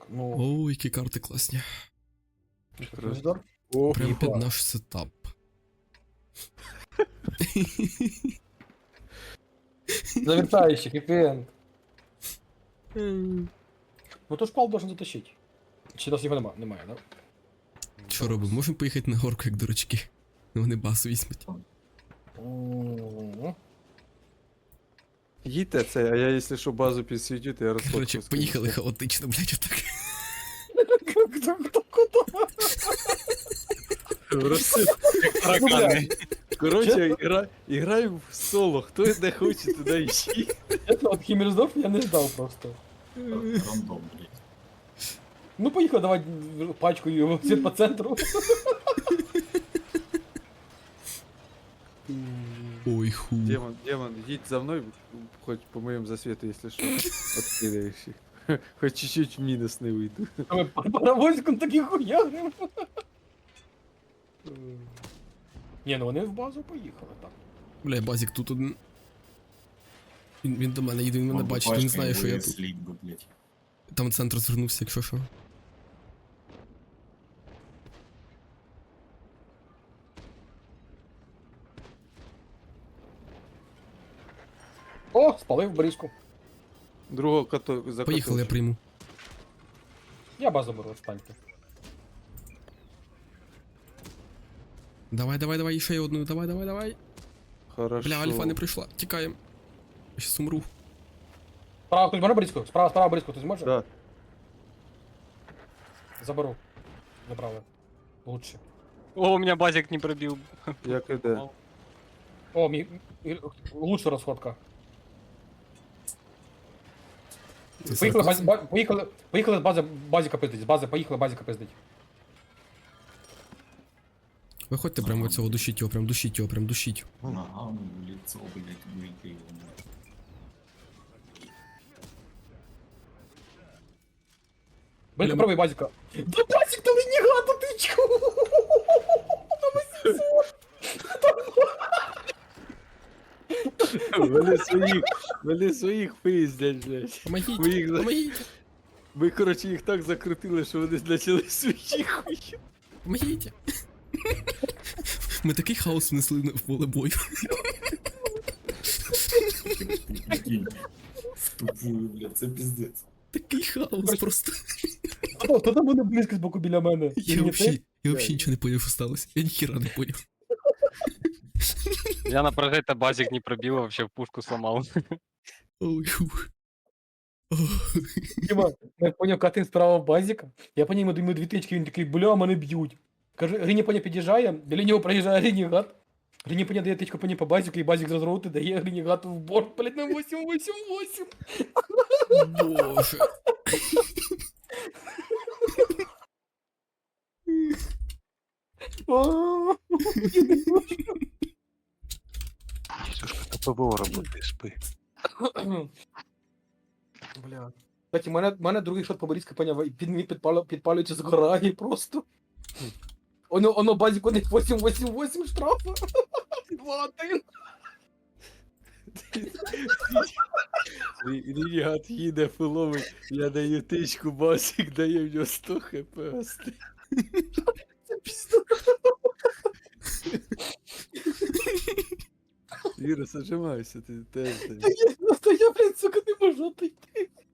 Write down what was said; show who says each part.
Speaker 1: Ну,
Speaker 2: О, які карти класні.
Speaker 1: Красдор.
Speaker 3: О,
Speaker 2: Прям під
Speaker 1: ніхуя.
Speaker 2: наш сетап.
Speaker 1: Завершающий, хэппи-энд. Ну то шпал должен затащить. Чи нас його немає, да?
Speaker 2: Що робимо? Можемо поїхати на горку, як дурачки. Вони басу візьмуть.
Speaker 1: М.
Speaker 3: їдьте це, а я, якщо що, базу підсвітю, то я
Speaker 2: Короче,
Speaker 3: розфоткаю.
Speaker 2: поїхали хаотично, блядь, отак.
Speaker 1: Хто куди?
Speaker 3: Таракани. Короче, играем в соло. Кто не хочет, туда ищи.
Speaker 1: Чесно, от Хіммерсдорф я не ждав просто.
Speaker 4: Рандом, блядь.
Speaker 1: Ну поїхав, давай пачку його світ по центру.
Speaker 2: Ой, ху.
Speaker 3: Демон, едь за мной, хоть по моему засвету, если что, откидаешь их. Хоть чуть-чуть в минус не выйду.
Speaker 1: А ми паровозиком таких хуярим. Ні, ну вони в базу поїхали, так.
Speaker 2: Бля, базік тут один. Він до мене їде, він мене
Speaker 4: Он
Speaker 2: бачить, він знає, що я тут.
Speaker 4: слить бы, блядь.
Speaker 2: Там центр звернувся, якщо що.
Speaker 1: О, спалив бризку.
Speaker 3: Другого кота
Speaker 2: Поїхали, я прийму.
Speaker 1: Я базу беру, встаньте.
Speaker 2: Давай, ще одну, давай.
Speaker 3: Хорошо.
Speaker 2: Бля, альфа не прийшла, тікаємо. Я щас умру.
Speaker 1: Справа хтось бере бризку? Справа бризку хтось може?
Speaker 3: Да.
Speaker 1: Заберу. Направо. Лучше.
Speaker 5: О, у меня базик не пробил.
Speaker 3: Як іде?
Speaker 1: О, лучше розходка.
Speaker 2: Це
Speaker 1: Поїхали,
Speaker 2: сарказм?
Speaker 1: поїхали з базіка пиздить, з бази поїхали базіка пиздить.
Speaker 2: Виходьте прямо від цього, душіть його, прям душіть.
Speaker 4: Ногами в лицо, блядь, гульки его.
Speaker 1: Бийка, пробуй базіка. Да базік, то ренегата, ти чо?
Speaker 3: Вони своїх пиздять, блядь.
Speaker 2: Помогіть,
Speaker 3: Ви їх за-
Speaker 2: помогіть,
Speaker 3: Ми, короче, їх так закрутили, що вони почали свої хуї.
Speaker 2: помогіть. Ми такий хаос внесли в поле бою.
Speaker 4: Прикинь. В тупую, блядь, це пиздец.
Speaker 2: Такий хаос просто.
Speaker 1: Хто там буде близько з боку біля мене?
Speaker 2: Я вообще нічого не поняв, що сталося. Я ніхіра не поняв.
Speaker 5: Я на прожито базик не пробил, вообще в пушку сломал.
Speaker 2: Ой, фух.
Speaker 1: Діма, я поняв, катин справа базіка. Я по ньому даю 2 тички, він такий, бля, мене б'ють. Каже, Гриня Поня під'їжджає, біля нього проїжджає Ренегат. Гриня Поня дає тичку Поні по базіку, і базік розроути дає Ренегату в борт, блядь, на 888.
Speaker 2: Боже.
Speaker 6: ПВО работает, спи.
Speaker 1: Бля. Кстати, мене другий шот по Борізька поняв, і він підпалюється згорає просто. Оно базік у них 888 штрафа. 2-1.
Speaker 3: Рігат їде филовий, я даю тичку, басик дає в нього 100 хп остає.
Speaker 1: Це пізда.
Speaker 3: Віра, зажимайся, ти теж.
Speaker 1: Я, блядь, сука, не можу отойти.